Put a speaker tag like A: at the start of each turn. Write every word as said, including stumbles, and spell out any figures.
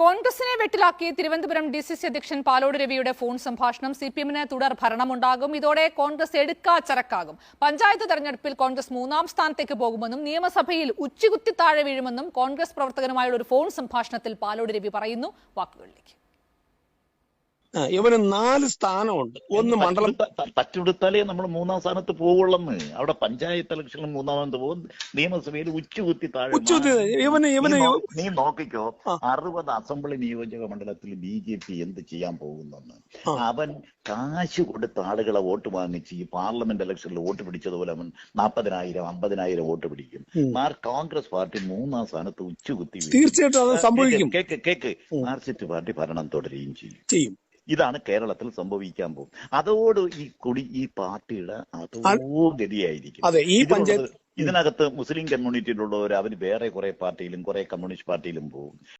A: കോൺഗ്രസിനെ വെട്ടിലാക്കി Thiruvananthapuram D C C അധ്യക്ഷൻ പാലോട് രവിയുടെ ഫോൺ സംഭാഷണം. സി പി എമ്മിന് തുടർ ഭരണമുണ്ടാകും. ഇതോടെ കോൺഗ്രസ് എടുക്കാച്ചരക്കാകും. പഞ്ചായത്ത് തെരഞ്ഞെടുപ്പിൽ കോൺഗ്രസ് മൂന്നാം സ്ഥാനത്തേക്ക് പോകുമെന്നും നിയമസഭയിൽ ഉച്ചികുത്തി താഴെ വീഴുമെന്നും കോൺഗ്രസ് പ്രവർത്തകനുമായുള്ള ഒരു ഫോൺ സംഭാഷണത്തിൽ പാലോട് രവി പറയുന്നു. വാക്കുകളിലേക്ക്.
B: ഇവന് നാല് സ്ഥാനമുണ്ട്. ഒന്ന് മണ്ഡലം
C: തച്ചുകൊടുത്താലേ നമ്മൾ മൂന്നാം സ്ഥാനത്ത് പോകുള്ളന്ന്. അവിടെ പഞ്ചായത്ത് ഇലക്ഷനിൽ മൂന്നാമത് പോകും, നിയമസഭയിൽ ഉച്ചുകുത്തി താഴെ.
B: ഇവന് ഇവന്
C: നീ നോക്കിക്കോ, അറുപത് അസംബ്ലി നിയോജക മണ്ഡലത്തിൽ ബി ജെ പി എന്ത് ചെയ്യാൻ പോകുന്നെന്ന്. അവൻ കാശ് കൊടുത്ത ആളുകളെ വോട്ട് വാങ്ങിച്ച് ഈ പാർലമെന്റ് ഇലക്ഷനിൽ വോട്ട് പിടിച്ചതുപോലെ അവൻ നാപ്പതിനായിരം അമ്പതിനായിരം വോട്ട് പിടിക്കും. മാർ കോൺഗ്രസ് പാർട്ടി മൂന്നാം സ്ഥാനത്ത് ഉച്ചുകുത്തി.
B: തീർച്ചയായിട്ടും അത് സംഭവിക്കും.
C: കേക്ക് കേക്ക് മാർക്സിസ്റ്റ് പാർട്ടി ഭരണം തുടരുകയും ചെയ്യും
B: ചെയ്യും
C: ഇതാണ് കേരളത്തിൽ സംഭവിക്കാൻ പോകും. അതോട് ഈ കുടി ഈ പാർട്ടിയുടെ അതോ ഗതിയായിരിക്കും.
B: അതെ, ഈ പഞ്ചായത്ത്
C: ഇതിനകത്ത് മുസ്ലിം കമ്മ്യൂണിറ്റിയിലുള്ളവർ അവർ വേറെ കുറെ പാർട്ടിയിലും കുറെ കമ്മ്യൂണിസ്റ്റ് പാർട്ടിയിലും പോകും.